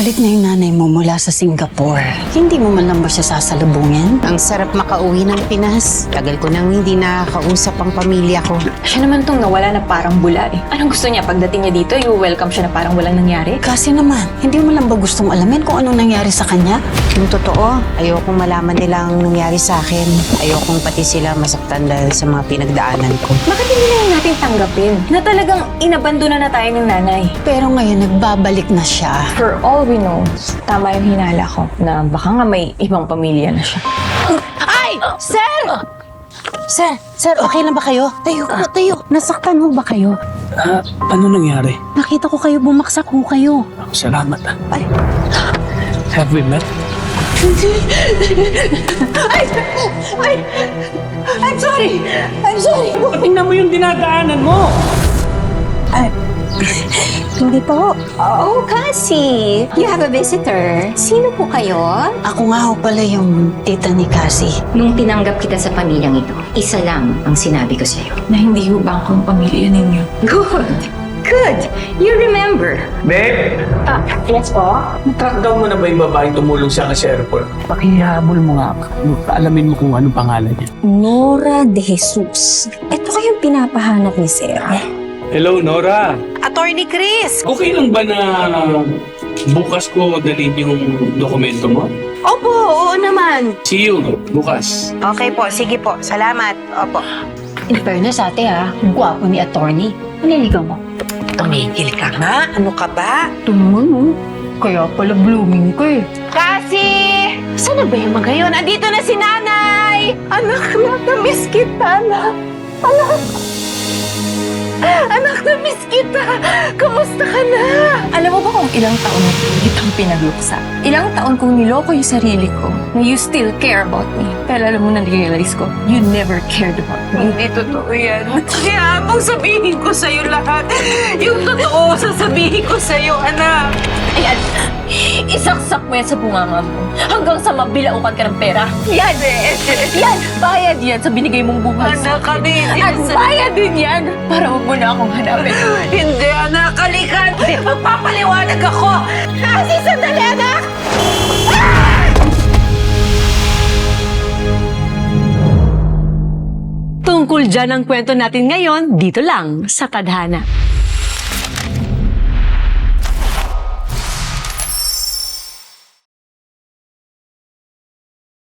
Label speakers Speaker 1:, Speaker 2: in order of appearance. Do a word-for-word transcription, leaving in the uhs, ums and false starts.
Speaker 1: Balik na yung nanay mo mula sa Singapore. Hindi mo man lang ba siya sasalubungin?
Speaker 2: Ang sarap makauwi ng Pinas. Tagal ko nang hindi nakakausap ang pamilya ko.
Speaker 3: Siya naman tong nawala na parang bula eh. Anong gusto niya pagdating niya dito, you-welcome siya na parang walang nangyari?
Speaker 1: Kasi naman, hindi mo lang ba gustong alamin kung anong nangyari sa kanya?
Speaker 2: Yung totoo, ayokong malaman nila ang nangyari sa akin. Ayokong pati sila masaktan dahil sa mga pinagdaanan ko.
Speaker 3: Bakit hindi na lang natin tanggapin na talagang inabandona na tayo ng nanay?
Speaker 1: Pero ngayon, nagbabalik na siya.
Speaker 3: For all we know, tama yung hinala ko na baka nga may ibang pamilya na siya.
Speaker 1: Ay! Sir! Sir! Sir, okay lang ba kayo? Tayo po, tayo. Nasaktan ho ba kayo?
Speaker 4: Ah, ano nangyari?
Speaker 1: Nakita ko kayo, bumaksak ho kayo.
Speaker 4: Salamat ah.
Speaker 1: Ay!
Speaker 4: Have we met?
Speaker 1: Ay! Ay! I'm sorry! I'm sorry!
Speaker 4: Tingnan mo yung dinadaanan mo!
Speaker 1: Ay, hindi po.
Speaker 5: Oh, Cassie! You have a visitor. Sino po kayo?
Speaker 1: Ako nga ho pala yung tita ni Cassie.
Speaker 5: Nung tinanggap kita sa pamilyang ito, isa lang ang sinabi ko sa'yo.
Speaker 3: Na hindi ho ba akong pamilya ninyo?
Speaker 5: Good! Good! You remember.
Speaker 4: Babe!
Speaker 3: Ah, yes po?
Speaker 4: Natrack down mo na ba yung babaeng tumulong sa akin sa airport? Pakihabol mo nga. Alamin mo kung anong pangalan niya.
Speaker 6: Nora de Jesus. Ito kayong pinapahanap ni Sir.
Speaker 4: Hello, Nora!
Speaker 2: Attorney Chris!
Speaker 4: Okay lang ba na bukas ko dalhin yung dokumento mo?
Speaker 2: Opo, oo naman.
Speaker 4: See you bukas.
Speaker 2: Okay po, sige po. Salamat. Opo.
Speaker 1: In fairness, ate ha, gwapo ni attorney. Naliligaw mo.
Speaker 2: Tumigil ka nga. Ano ka ba?
Speaker 3: Tumun, kaya pala blooming ko eh.
Speaker 2: Cassie! Saan na ba yung mga yun? Andito na si nanay! Anak, anak, na-miss kita, anak. Anak! Anak, na-miss kita! Kamusta ka na?
Speaker 3: Alam mo ba kung ilang taon na kitang pinagluksa? Ilang taon kong niloko yung sarili ko na you still care about me. Pero alam mo na realize ko, you never cared about me.
Speaker 2: Hindi totoo yan. Kaya habang sabihin ko sa'yo lahat, yung totoo sasabihin ko sa'yo, anak.
Speaker 3: Ayan, isaksak mo yan sa bunganga mo hanggang sa mabilaukan ka ng pera. Yan! Yan! Bayad yan sa binigay mong buhay sa
Speaker 2: Anak, kami hindi
Speaker 3: At bayad din yan para huwag mo na akong hanapin.
Speaker 2: Hindi, anak. Kalikan. Magpapaliwanag ako. Kasi sandali, anak.
Speaker 7: Tungkol dyan ang kwento natin ngayon, dito lang sa Tadhana.